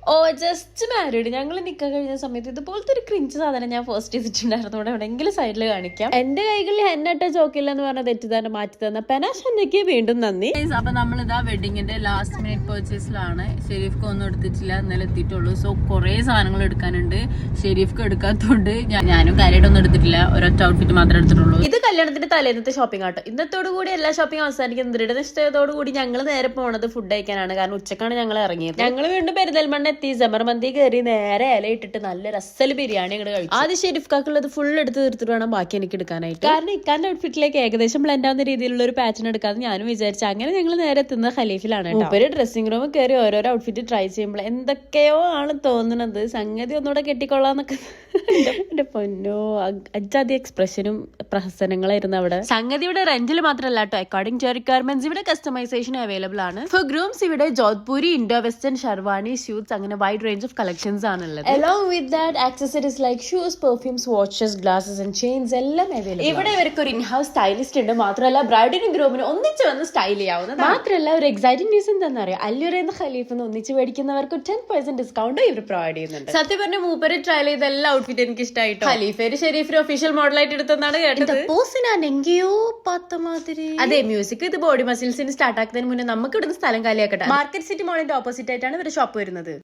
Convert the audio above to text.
ഓ just married. ഞങ്ങൾ നിൽക്കാൻ കഴിഞ്ഞ സമയത്ത് ഇതുപോലത്തെ ഒരു ക്രിഞ്ച് സാധനം ഞാൻ ഫസ്റ്റ് ചെയ്തിട്ടുണ്ടായിരുന്നു. ഇവിടെ എവിടെയെങ്കിലും സൈഡിൽ കാണിക്കാം. എന്റെ കൈകളിൽ ഹെന്നട്ട ചോക്കില്ല എന്ന് പറഞ്ഞ തെറ്റിദ്ധാരണ മാറ്റി തന്ന പെനാഷ് ഹന്നയ്ക്ക് വീണ്ടും നന്ദി. അപ്പൊ നമ്മളിതാ വെഡിങ്ങിന്റെ ലാസ്റ്റ് മിനിറ്റ് പർച്ചേസിലാണ്. ഷെരീഫ്ക്ക് ഒന്നും എടുത്തിട്ടില്ല, ഇന്നലെ എത്തിയിട്ടുള്ളൂ. സോ കുറെ സാധനങ്ങൾ എടുക്കാനുണ്ട്. ഷെരീഫ്ക്ക് എടുക്കാത്തോണ്ട് ഞാനും കാര്യമായിട്ടൊന്നും എടുത്തിട്ടില്ല, ഒരൊറ്റ ഔട്ട്ഫിറ്റ് മാത്രമേ എടുത്തിട്ടുള്ളൂ. ഇത് കല്യാണത്തിന്റെ തലേന്നത്തെ ഷോപ്പിംഗ് ആട്ടോ. ഇന്നത്തോടു കൂടി എല്ലാ ഷോപ്പിംഗ് അവസാനിക്കുന്നത്. ദൃഢനിശ്ചയത്തോടു കൂടി ഞങ്ങൾ നേരെ പോണത് ഫുഡ് കഴിക്കാനാണ്. കാരണം ഉച്ചക്കാണ് ഞങ്ങൾ ഇറങ്ങിയത്. ഞങ്ങൾ വീണ്ടും പെരിന്തൽമണ്ണ എത്തി. ജമർ മന്തി കയറി നേരെ ഇലയിട്ടിട്ട് നല്ല രസൽ ബിരിയാണി അങ്ങോട്ട് കഴിച്ചു. ആദ്യം ഷെരീഫ്ക്കാക്കുള്ളത് ഫുൾ എടുത്ത് തീർത്തിട്ട് വേണം ബാക്കി എനിക്ക് എടുക്കാനായിട്ട്. കാരണം ഇക്കാന്റെ ഔട്ട്ഫിറ്റിലേക്ക് ഏകദേശം ബ്ലെൻഡ് ആവുന്ന രീതിയിലുള്ള ഒരു പാറ്റേൺ എടുക്കാതെ ഞാനും വിചാരിച്ചു. അങ്ങനെ ഞങ്ങൾ നേരെ എത്തുന്നത് ഖലീഫിലാണ്. ഒരു ഡ്രസ്സിംഗ് റൂമിൽ കയറി ഓരോരോ ഔട്ട്ഫിറ്റ് ട്രൈ ചെയ്യുമ്പോൾ എന്തൊക്കെയോ ആണ് തോന്നുന്നത്. സംഗതി ഒന്നുകൂടെ കെട്ടിക്കൊള്ളാന്നൊക്കെ. എന്റെ പൊന്നോ, അജാതി എക്സ്പ്രഷനും പ്രഹസനങ്ങളായിരുന്നു അവിടെ. സംഗതി ഇവിടെ റെന്റിൽ മാത്രമല്ല കേട്ടോ, അക്കോർഡിംഗ് ടു റിക്വയർമെന്റ്സ് ഇവിടെ കസ്റ്റമൈസേഷൻ അവൈലബിൾ ആണ്. ഫോർ ഗ്രൂംസ് ഇവിടെ Jodhpuri, Indo western, sherwani, suits അങ്ങനെ വൈഡ് റേഞ്ച് ഓഫ് കളക്ഷൻസ് ആണുള്ളത്. Along with that, accessories like shoes, perfumes, watches, glasses and chains എല്ലാം അവൈലബിൾ. ഇവിടെ ഇവർക്ക് ഒരു ഇൻഹൗസ് സ്റ്റൈലിസ്റ്റ് ഉണ്ട്. മാത്രമല്ല ബ്രൈഡിനും ഗ്രൂമിനും ഒന്നിച്ച് വന്ന് സ്റ്റൈൽ ചെയ്യാവുന്നത്. മാത്രമല്ല ഒരു എക്സൈറ്റിംഗ് ന്യൂസ് എന്താണെന്ന് അറിയാം, അല്ലുറേന്ന് ഖലീഫെന്ന് ഒന്നിച്ച് മേടിക്കുന്നവർക്ക് 10% ഡിസ്കൗണ്ട് ഇവർ പ്രൊവൈഡ് ചെയ്യുന്നുണ്ട്. സത്യം പറഞ്ഞ മൂപ്പര് ട്രയൽ ചെയ്ത എല്ലാ ഔട്ട്ഫിറ്റ് എനിക്ക് ഇഷ്ടമായിട്ടോ. ഖലീഫേര് ഷെരീഫിന് ഒഫീഷ്യൽ മോഡലായിട്ട് എടുത്തെന്നാണ് കേട്ടത്. അതെ, മ്യൂസിക് ഇത് ബോഡി മസിൽസിന് സ്റ്റാർട്ട് ആക്കുന്നതിന് മുന്നേ നമുക്ക് ഇവിടുന്ന് സ്ഥലം കാലിയാക്കട്ടെ. മാർക്കറ്റ് സിറ്റി മോളിന്റെ ഓപ്പോസിറ്റ് ആയിട്ടാണ് ഇവരുടെ ഷോപ്പ് വരുന്നത്.